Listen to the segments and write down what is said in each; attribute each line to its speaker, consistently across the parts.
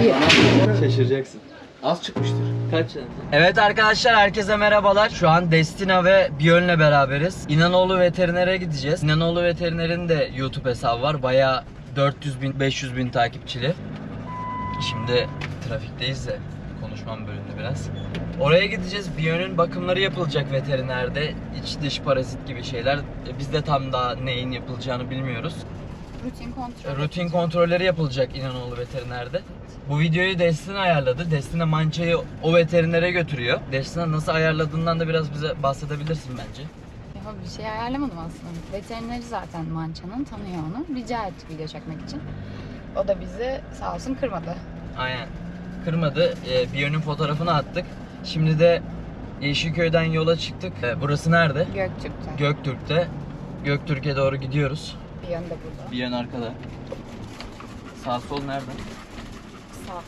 Speaker 1: Bir.
Speaker 2: Şaşıracaksın.
Speaker 3: Az çıkmıştır.
Speaker 2: Kaç tane? Evet arkadaşlar, herkese merhabalar. Şu an Destina ve Björn'le beraberiz. İnanoğlu Veteriner'e gideceğiz. İnanoğlu Veteriner'in de YouTube hesabı var. Bayağı 400.000-500.000 takipçili. Şimdi trafikteyiz de konuşmam bölündü biraz. Oraya gideceğiz. Björn'ün bakımları yapılacak veterinerde. İç dış parazit gibi şeyler. Biz de tam daha neyin yapılacağını bilmiyoruz. Rutin kontrolleri yapılacak İnanoğlu Veteriner'de. Bu videoyu Destina ayarladı. Destina mançayı o veterinere götürüyor. Destina nasıl ayarladığından da biraz bize bahsedebilirsin bence.
Speaker 1: Ya bir şey ayarlamadım aslında. Veterineri zaten mançanın, tanıyor onu. Rica ettik video çekmek için. O da bizi sağ olsun kırmadı.
Speaker 2: Aynen. Kırmadı. Björn'ün fotoğrafını attık. Şimdi de Yeşilköy'den yola çıktık. Burası nerede?
Speaker 1: Göktürk'te.
Speaker 2: Göktürk'te. Göktürk'e doğru gidiyoruz.
Speaker 1: Bir yön de burada.
Speaker 2: Bir yön arkada. Sağ sol nerede?
Speaker 1: Sağ.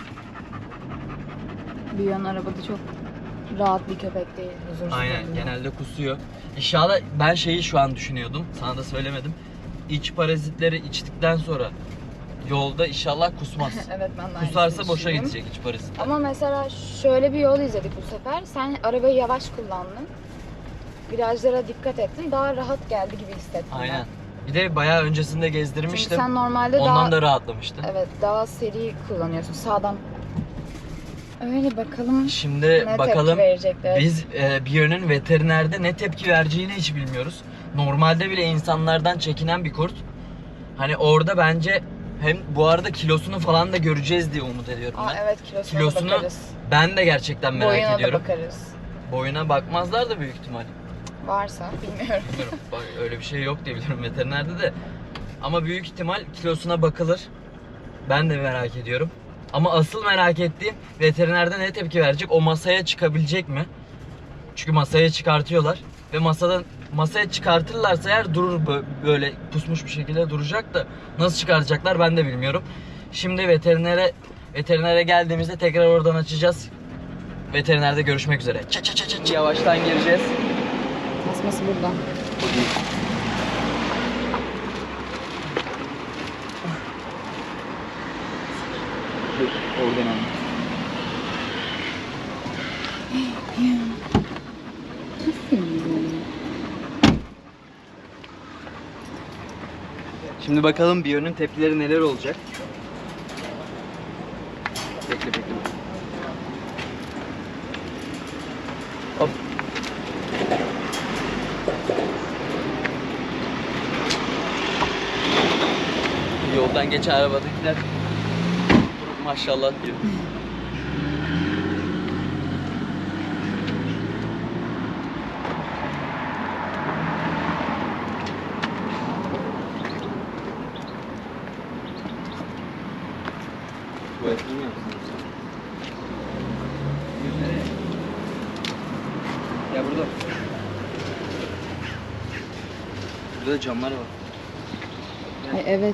Speaker 1: Bir yön arabada çok rahat bir köpek değil. Huzursuz.
Speaker 2: Aynen.
Speaker 1: oluyor.
Speaker 2: Genelde kusuyor. İnşallah ben şeyi şu an düşünüyordum. Sana da söylemedim. İç parazitleri içtikten sonra yolda inşallah kusmaz.
Speaker 1: Evet, ben de
Speaker 2: Kusarsa
Speaker 1: aynısını
Speaker 2: boşa
Speaker 1: düşündüm.
Speaker 2: gidecek iç parazitler.
Speaker 1: Ama mesela şöyle bir yol izledik bu sefer. Sen arabayı yavaş kullandın. Virajlara dikkat ettin. Daha rahat geldi gibi hissettim
Speaker 2: Aynen.
Speaker 1: ben.
Speaker 2: Bir de bayağı öncesinde
Speaker 1: Çünkü
Speaker 2: gezdirmiştim.
Speaker 1: sen normalde
Speaker 2: Ondan
Speaker 1: daha...
Speaker 2: da rahatlamıştım.
Speaker 1: Evet, daha seri kullanıyorsun sağdan. Öyle bakalım
Speaker 2: Şimdi
Speaker 1: ne
Speaker 2: bakalım
Speaker 1: tepki verecekler.
Speaker 2: biz Björn'ün veterinerde ne tepki vereceğini hiç bilmiyoruz. Normalde bile insanlardan çekinen bir kurt. Hani orada bence hem bu arada kilosunu falan da göreceğiz diye umut ediyorum ben.
Speaker 1: Evet, kilosuna da bakarız.
Speaker 2: Ben de gerçekten merak
Speaker 1: Boyuna
Speaker 2: ediyorum.
Speaker 1: da bakarız.
Speaker 2: Boyuna bakmazlar da büyük ihtimal.
Speaker 1: Varsa bilmiyorum.
Speaker 2: Bilmiyorum. Bak, öyle bir şey yok diye biliyorum veterinerde de. Ama büyük ihtimal kilosuna bakılır. Ben de merak ediyorum. Ama asıl merak ettiğim veterinerde ne tepki verecek? O masaya çıkabilecek mi? Çünkü masaya çıkartıyorlar ve masaya çıkartırlarsa eğer durur, böyle pusmuş bir şekilde duracak da nasıl çıkaracaklar ben de bilmiyorum. Şimdi veterinere geldiğimizde tekrar oradan açacağız. Veterinerde görüşmek üzere. Yavaştan gireceğiz.
Speaker 1: Tasması burada.
Speaker 2: Oradan anlat. Şimdi bakalım Björn'ün tepkileri neler olacak. Bekle. Hop. Yoldan geçen arabadakiler maşallah diyor. Tuvaletini mi yapsınız? Ya burada. Burada da camlar var.
Speaker 1: Ay, evet.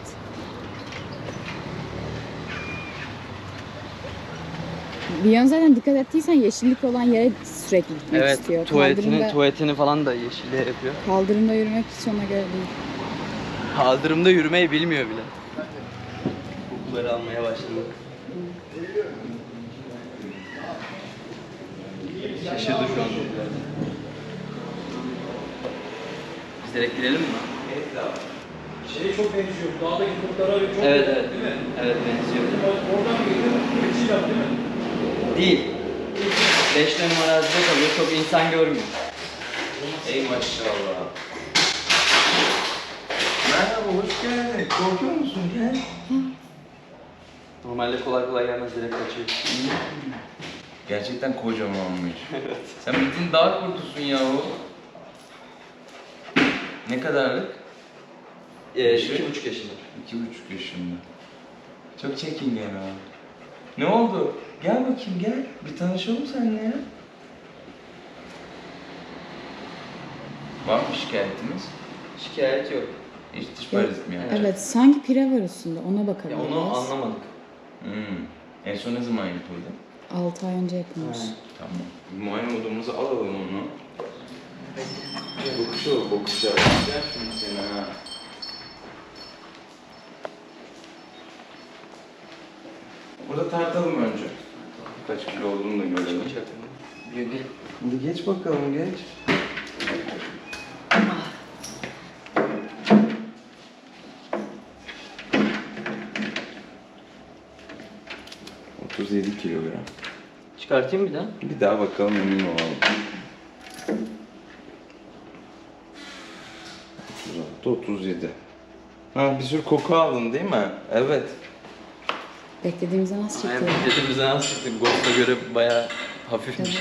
Speaker 1: Bir yön zaten dikkat ettiysen yeşillik olan yere sürekli gitmek istiyor.
Speaker 2: Tuvaletini falan da yeşilliğe yapıyor.
Speaker 1: Kaldırımda yürümek hiç ona göre değil.
Speaker 2: Kaldırımda yürümeyi bilmiyor bile. Kokuları almaya başladı. Şaşırdı şu an. Biz direkt girelim mi?
Speaker 3: Şeye çok benziyor. Dağdaki kurtlara çok
Speaker 2: Evet.
Speaker 3: değil mi?
Speaker 2: Evet, benziyor.
Speaker 3: Oradan geliyor. Keçiyle değil mi?
Speaker 2: Değil. 5 numara arazide kalıyor. Çok insan görmüyor.
Speaker 3: Ey maşallah. Merhaba, hoş geldin. Korkuyor musun? Gel.
Speaker 2: Normalde kolay gelmez, direkt kaçıyor.
Speaker 3: Gerçekten kocamanmış. Sen bildiğin dağ kurtusun yahu. Ne kadarlık?
Speaker 2: 2,5 yaşında.
Speaker 3: 2,5 yaşında. Çok çekingen ha. Ne oldu? Gel bakayım gel. Bir tanışalım seninle ya. Var mı şikayetimiz?
Speaker 2: Şikayet yok.
Speaker 3: Hiç dış parazit mi yapacak?
Speaker 1: Evet, sanki pire var üstünde. Ona
Speaker 2: Ya
Speaker 1: bakabiliriz.
Speaker 2: onu anlamadık.
Speaker 3: En son ne zaman yapıldı?
Speaker 1: 6 ay önce yapılmış.
Speaker 3: Tamam. Muayene odamıza alalım onu. Bakışa. Gel şimdi seni ha. Burada tartalım önce. Kaç kilo olduğunu da görelim. Hadi geç bakalım, geç. ...37 kilogram.
Speaker 2: Çıkartayım bir daha.
Speaker 3: Bir daha bakalım, emin olalım. 36, 37. Ha, bir sürü koku aldın değil mi? Evet.
Speaker 1: Beklediğimizden az çıktı.
Speaker 2: Beklediğimizden az çıktık. Ghost'a göre bayağı hafifmiş.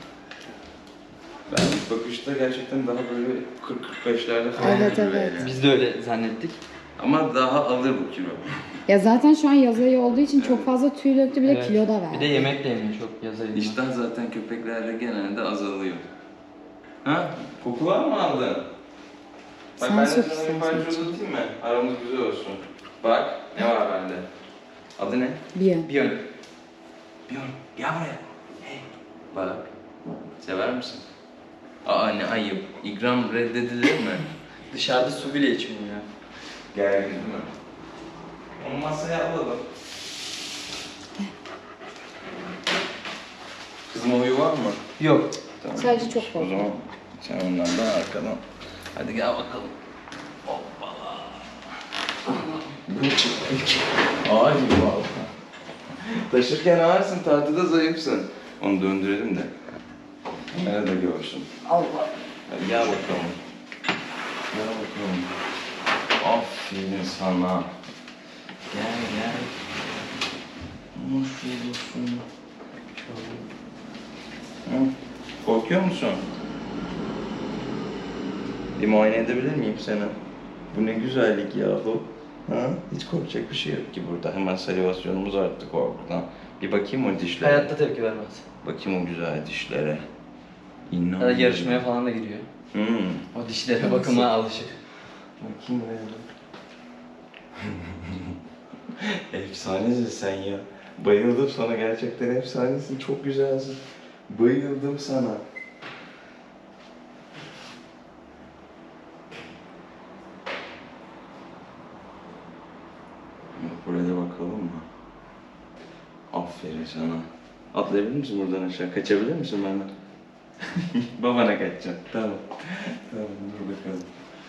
Speaker 3: Ben ilk bakışta gerçekten daha böyle 40-45'lerde falan
Speaker 1: Evet,
Speaker 3: duruyor
Speaker 1: evet.
Speaker 3: yani.
Speaker 2: Biz de öyle zannettik.
Speaker 3: Ama daha alır bu kilo.
Speaker 1: Ya zaten şu an yaz ayı olduğu için çok fazla tüy döktü, bir de
Speaker 2: Evet.
Speaker 1: kilo da verdi.
Speaker 2: Bir de yemek de yemiyor çok yazayım.
Speaker 3: İştah zaten köpeklerde genelde azalıyor. Ha? Kokular mı aldın? Bak
Speaker 1: Sen
Speaker 3: ben de
Speaker 1: sok
Speaker 3: sana bir
Speaker 1: istersen
Speaker 3: parça
Speaker 1: içine.
Speaker 3: uzatayım mı? Aramız güzel olsun. Bak ne var bende. Adı ne?
Speaker 1: Bir yön.
Speaker 3: Björn. Björn gel buraya. Hey. Bak. Sever misin? Aa ne ayıp. İkram reddedilir mi?
Speaker 2: Dışarıda su bile içmiyor ya.
Speaker 3: Gel değil mi? Onu masaya alalım. Kızım oyu var mı?
Speaker 2: Yok.
Speaker 3: Tamam.
Speaker 1: Sadece çok
Speaker 3: O
Speaker 1: korktum.
Speaker 3: zaman sen ondan da arkadan. Hadi gel bakalım. Hoppala. Bu çıkmış. Ağır gibi valla. Taşırken ağırsın, tartıda zayıfsın. Onu döndürelim de. Nerede görsün. Allah. Hadi gel bakalım. Gel bakalım. Aferin sana. Gel gel. Hoş geliyorsun. Hı? Korkuyor musun? Bir muayene edebilir miyim seni? Bu ne güzellik yahu. Ha? Hiç korkacak bir şey yok ki burada. Hemen salivasyonumuz arttı korkudan. Bir bakayım o dişlere.
Speaker 2: Hayatta tepki vermez.
Speaker 3: Bakayım o güzel dişlere.
Speaker 2: Ya da
Speaker 3: İnanmıyorum.
Speaker 2: yarışmaya falan da giriyor. O dişlere bakıma alışık.
Speaker 3: Bakayım öyle. Efsanesin sen ya. Bayıldım sana, gerçekten efsanesin. Çok güzelsin. Bayıldım sana. Buraya da bakalım mı? Aferin sana. Atlayabilir misin buradan aşağı? Kaçabilir misin benden? Babana kaçacağım. Tamam. Tamam, dur bakalım.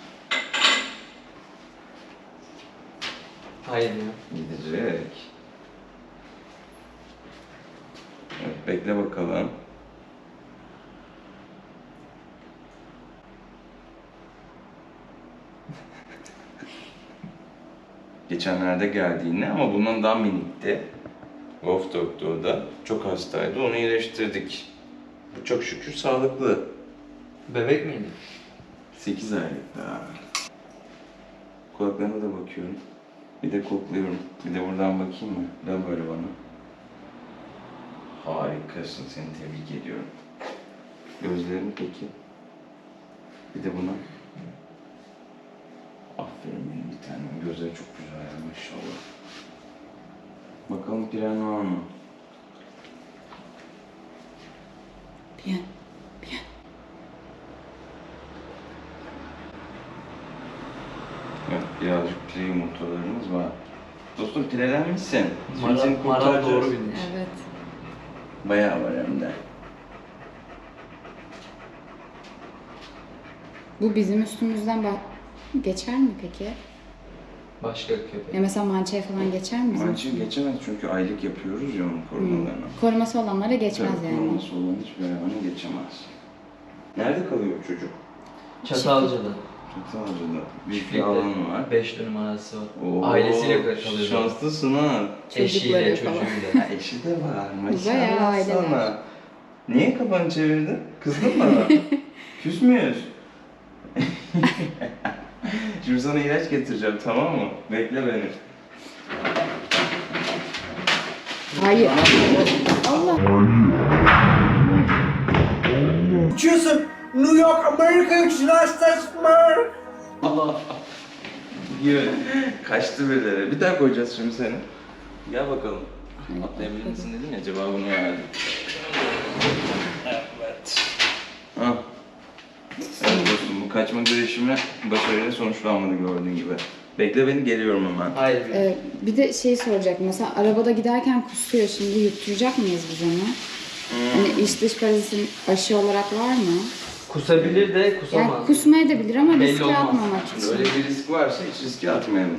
Speaker 2: Hayır ya.
Speaker 3: Gidecek. Evet, bekle bakalım. Geçenlerde geldi yine ama bundan daha minikti. Wolf Dog'da çok hastaydı, onu iyileştirdik. Bu çok şükür sağlıklı.
Speaker 2: Bebek miydi?
Speaker 3: 8 aylık daha. Kulaklarına da bakıyorum. Bir de kokluyorum. Bir de buradan bakayım mı? Dön böyle bana. Harikasın, seni tebrik ediyorum. Gözlerini peki? Bir de buna. Aferin benim bir tanem. Gözleri çok güzel ya, maşallah. Bakalım piren var mı?
Speaker 1: Bir yön.
Speaker 3: Evet, birazcık pire yumurtalarımız var. Dostum pirelenmişsin. Şimdi seni
Speaker 2: Maral
Speaker 3: kurtaracağız.
Speaker 2: doğru bilmiş.
Speaker 1: Evet.
Speaker 3: Bayağı var hem de.
Speaker 1: Bu bizim üstümüzden geçer mi peki?
Speaker 2: Başka köpek.
Speaker 1: Ya mesela mançaya falan geçer mi bizim?
Speaker 3: Mancı geçemez çünkü aylık yapıyoruz ya onun korumalarını.
Speaker 1: Koruması olanlara geçmez
Speaker 3: Tabii,
Speaker 1: yani.
Speaker 3: koruması olan hiçbir hayvanı geçemez. Nerede kalıyor bu çocuk?
Speaker 2: Çatalca'da.
Speaker 3: Çatalca'da. Büyük bir alanı var.
Speaker 2: 5 dönüm arası var.
Speaker 3: Oo,
Speaker 2: Ailesiyle kalıyor.
Speaker 3: şanslısın ha.
Speaker 2: Eşiyle,
Speaker 1: Çocukları falan.
Speaker 2: çocuğuyla.
Speaker 3: Ha, eşi de var.
Speaker 1: Bayağı
Speaker 3: Maşallah
Speaker 1: aileler.
Speaker 3: sana. Niye kafanı çevirdin? Kızdın mı bana? Küs müyüz? Şimdi sana ilaç getireceğim, tamam mı? Bekle beni.
Speaker 1: Hayır. Allah.
Speaker 4: Uçuyorsun. New York, Amerika, United States, America.
Speaker 3: Allah! Yürü. Kaçtı birileri. Bir daha koyacağız şimdi seni. Gel bakalım. Atlayabilir misin dedin ya, cevabını verdim. Evet. Ha. Evet dostum, bu kaçma girişimi başarıyla sonuçlanmadı gördüğün gibi. Bekle beni, geliyorum hemen.
Speaker 2: Hayır.
Speaker 1: Bir de şey soracak. Mesela arabada giderken kusuyor. Şimdi yutturacak mıyız biz onu? Hani iç dış parazitin aşı olarak var mı?
Speaker 2: Kusabilir de kusamaz.
Speaker 1: Yani kusmaya da bilir ama
Speaker 2: Belli
Speaker 1: riske
Speaker 2: olmaz.
Speaker 1: atmamak
Speaker 3: Şimdi
Speaker 1: için.
Speaker 3: öyle bir risk varsa hiç riske atmayalım.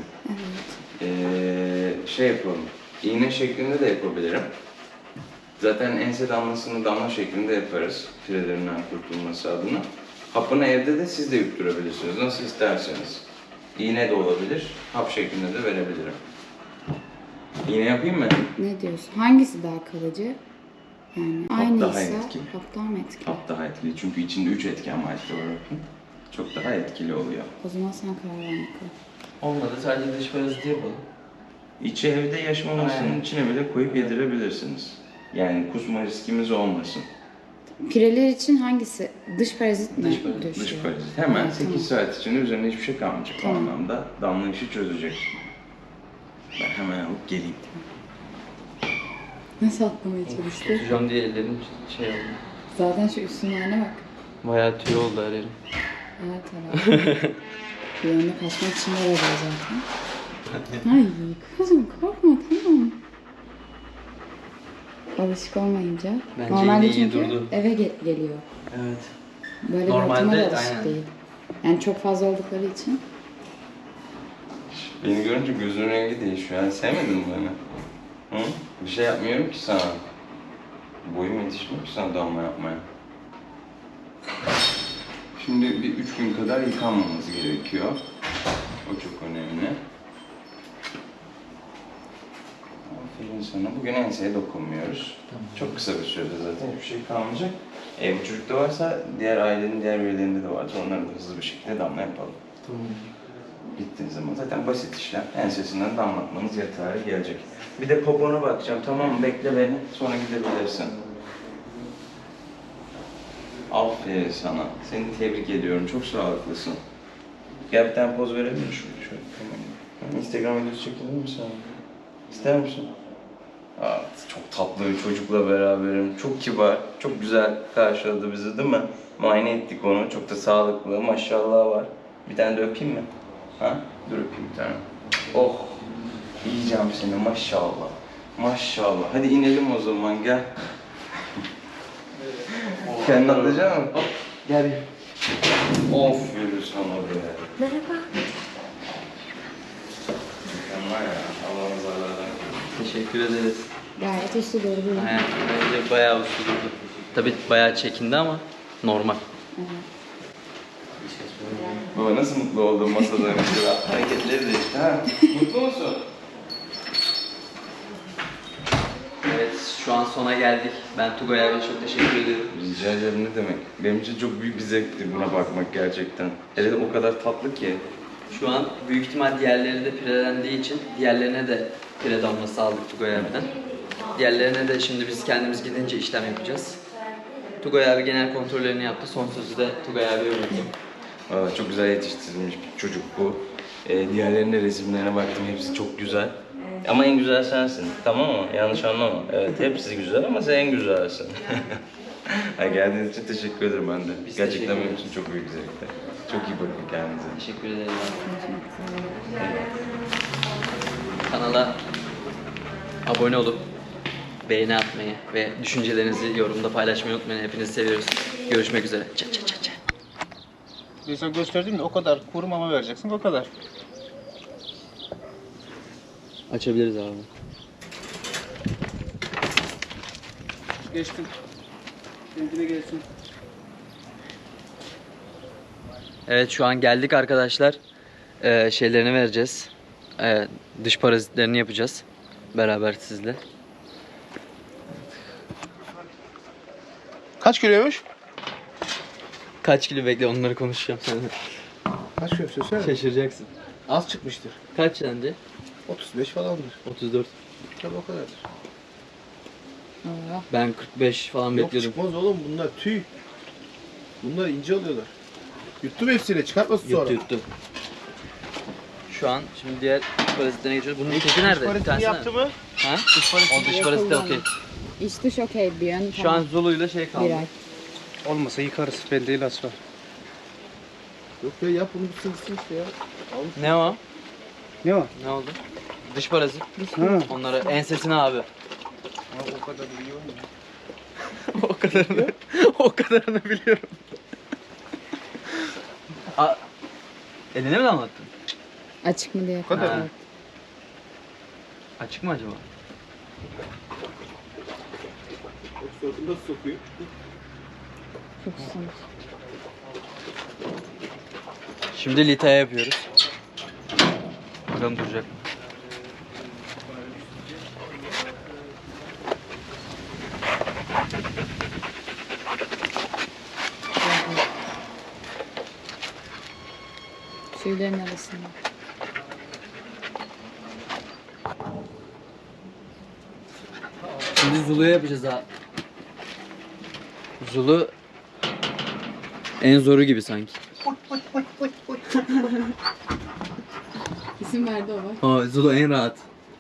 Speaker 3: Şey yapalım. İğne şeklinde de yapabilirim. Zaten ense damlasını damla şeklinde yaparız. Firelerinden kurtulması adına. Hapını evde de siz de yutturabilirsiniz. Nasıl isterseniz. İğne de olabilir. Hap şeklinde de verebilirim. İğne yapayım mı?
Speaker 1: Ne diyorsun? Hangisi daha kalıcı? Yani
Speaker 3: Hap
Speaker 1: aynıysa
Speaker 3: daha etkili.
Speaker 1: hap daha mı etkili?
Speaker 3: Hap daha etkili. Çünkü içinde 3 etken madde var hapın. Çok daha etkili oluyor.
Speaker 1: O zaman sen karar ver bakalım.
Speaker 2: Olmadı, sadece dış paraziti yapalım.
Speaker 3: İçi evde yaşmamasının
Speaker 2: Aynen.
Speaker 3: içine bile koyup yedirebilirsiniz. Yani kusma riskimiz olmasın.
Speaker 1: Pireler için hangisi? Dış parazit mi
Speaker 2: Dış parazit,
Speaker 1: döşüyor?
Speaker 3: Dış parazit. Hemen
Speaker 1: Evet,
Speaker 3: 8 saat içinde üzerine hiçbir şey kalmayacak.
Speaker 1: Tamam.
Speaker 3: O anlamda damla işi çözecek. Ben hemen alıp geleyim.
Speaker 1: Nasıl atlamaya çalıştı?
Speaker 2: Tutacağım diye ellerim şey oldu.
Speaker 1: Zaten şu üstün haline bak.
Speaker 2: Bayağı tüy oldu her yerim.
Speaker 1: Evet herhalde. Bir anda kaçmak için de araba zaten. Ay kızım korkma tamam. Alışık olmayınca.
Speaker 2: Bence
Speaker 1: Normalde
Speaker 2: yine iyi
Speaker 1: çünkü
Speaker 2: durdu.
Speaker 1: eve geliyor.
Speaker 2: Evet.
Speaker 1: Böyle
Speaker 2: Normalde,
Speaker 1: bir ortama da alışık
Speaker 2: aynen.
Speaker 1: değil. Yani çok fazla oldukları için.
Speaker 3: Beni görünce gözünün rengi değişiyor. Yani sevmedin mi beni? Hı? Bir şey yapmıyorum ki sana. Boyum yetişmiyor ki sana damla yapmaya. Şimdi bir 3 gün kadar yıkanmamız gerekiyor. O çok önemli. Aferin sana. Bugün enseye dokunmuyoruz.
Speaker 2: Tamam.
Speaker 3: Çok kısa bir sürede zaten hiçbir şey kalmayacak. Bu çocukta varsa diğer ailenin diğer üyelerinde de varsa onları da hızlı bir şekilde damla yapalım.
Speaker 2: Tamam.
Speaker 3: Gittiğiniz zaman zaten basit işlem. Ensesinden damlatmanız yeterli gelecek. Bir de popona bakacağım. Tamam mı? Bekle beni. Sonra gidebilirsin. Aferin sana. Seni tebrik ediyorum. Çok sağlıklısın. Gel bir tane poz verebilir miyim? Şöyle. Tamam. Instagram videosu çekilir mi sana? İster misin? Aa, çok tatlı bir çocukla beraberim. Çok kibar, çok güzel karşıladı bizi değil mi? Muayene ettik onu. Çok da sağlıklı. Maşallah var. Bir tane de öpeyim mi? Ha? Dur öpeyim bir tane. Oh! Yiyeceğim seni maşallah. Maşallah. Hadi inelim o zaman gel. Kendin atlayacak mısın?
Speaker 2: Gel bir.
Speaker 3: Of yürü sana be. Merhaba. Mükemmel ya. Allah'ın zarlardan korusun.
Speaker 2: Teşekkür ederiz.
Speaker 1: Gayet uslu doğru.
Speaker 2: Aynen. Bence bayağı uslu durdu. Tabii bayağı çekindi ama normal.
Speaker 3: Baba nasıl mutlu oldun masada mesela? Hareketleri de işte ha. Mutlu musun?
Speaker 2: Evet, şu an sona geldik. Ben Tugay abiye çok teşekkür ediyorum.
Speaker 3: Rica ederim ne demek. Benim için çok büyük bir zevkti buna bakmak gerçekten. Hele de o kadar tatlı ki.
Speaker 2: Şu an büyük ihtimal diğerleri de pirelendiği için diğerlerine de pire damlası aldık Tugay abiden. Diğerlerine de şimdi biz kendimiz gidince işlem yapacağız. Tugay abi genel kontrollerini yaptı. Son sözü de Tugay abiye bıraktım.
Speaker 3: Valla çok güzel yetiştirilmiş bir çocuk bu. Diğerlerinin resimlerine baktım, hepsi çok güzel. Ama en güzel sensin, tamam mı? Yanlış anlama. Evet, hepsi güzel ama sen en güzelsin. Geldiğiniz için teşekkür ederim ben de.
Speaker 2: Biz
Speaker 3: Gerçekten
Speaker 2: teşekkür
Speaker 3: benim
Speaker 2: ederiz.
Speaker 3: için çok büyük zevkti. Çok iyi bakın kendinize.
Speaker 2: Teşekkür ederim. Kanala abone olup beğeni atmayı ve düşüncelerinizi yorumda paylaşmayı unutmayın. Hepinizi seviyoruz. Görüşmek üzere. Ça ça ça ça.
Speaker 5: Mesela gösterdim de o kadar kuru mama vereceksin o kadar.
Speaker 2: Açabiliriz abi.
Speaker 5: Geçtim. Kendine gelsin.
Speaker 2: Evet şu an geldik arkadaşlar. Şeylerini vereceğiz. Dış parazitlerini yapacağız. Beraber sizle.
Speaker 5: Kaç kiloymuş?
Speaker 2: Kaç kilo bekle onları konuşacağım seninle.
Speaker 5: Kaç kilo söyle.
Speaker 2: Şaşıracaksın.
Speaker 5: Az çıkmıştır.
Speaker 2: Kaç sence?
Speaker 5: 35 falandır.
Speaker 2: 34.
Speaker 5: Tabii o kadardır.
Speaker 1: Allah.
Speaker 2: Ben 45 falan
Speaker 5: Yok
Speaker 2: bekliyordum.
Speaker 5: çıkmaz oğlum bunlar tüy. Bunlar ince oluyorlar. Yuttum hepsini çıkartmasın sonra.
Speaker 2: Yuttu. Şu an şimdi diğer dış parazitlerine geçiyoruz. Bunun teki nerede? Bir tanesi
Speaker 5: yaptı
Speaker 2: nerede?
Speaker 5: mı?
Speaker 2: Ha? O dış parazite okey.
Speaker 1: İç dış okey bir yön
Speaker 2: Şu an Zulu'yla şey kaldı.
Speaker 1: bir ay.
Speaker 5: Olmasa yıkarız. Bende ilaç var. Yok ya yap bunu bir sığsın işte ya.
Speaker 2: Ne o?
Speaker 4: Ne o?
Speaker 2: Ne oldu? Dış parazit.
Speaker 4: Ha.
Speaker 2: Onları ensesine abi.
Speaker 5: O kadar biliyor musun?
Speaker 2: O kadarını, o kadarını biliyorum. Eline mi damlattın?
Speaker 1: Açık mı diye.
Speaker 5: kadar
Speaker 1: kontrol
Speaker 2: mı?
Speaker 1: et.
Speaker 2: Açık mı acaba?
Speaker 5: Sırtını nasıl sokuyor?
Speaker 1: Çok susamış.
Speaker 2: Şimdi litaya yapıyoruz. Bakalım duracak mı?
Speaker 1: Tüylerin arasında.
Speaker 2: Şimdi Zulu'ya yapacağız ha. Zulu en zoru gibi sanki.
Speaker 1: İsim verdi o bak.
Speaker 2: Zulu en rahat.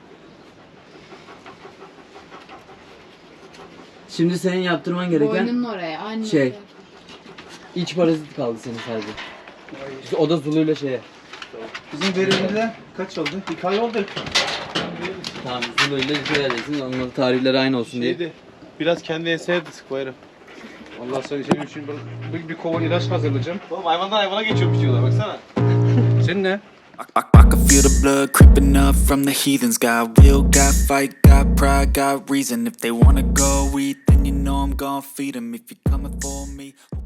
Speaker 2: Şimdi senin yaptırman gereken
Speaker 1: Boynunun oraya. Aynı
Speaker 2: şey.
Speaker 1: oraya.
Speaker 2: iç parazit kaldı senin sadece. O da Zulu'yla şeye.
Speaker 5: Bizim verimde kaç oldu? 2 ay oldu.
Speaker 2: Tamam Zulu'yla litaya edeceksin. Onların tarihleri aynı olsun diye.
Speaker 5: Şeydi. Biraz kendi enseye de sık bayram. Allah sana senin için bir kova ilaç hazırlayacağım. Oğlum hayvandan hayvana geçiyormuş diyorlar baksana. Senin ne?
Speaker 6: I can feel the blood creeping up from the heathens. Got will, got fight, got pride, got reason. If they wanna go eat, then you know I'm gon' feed 'em. If you're coming for me.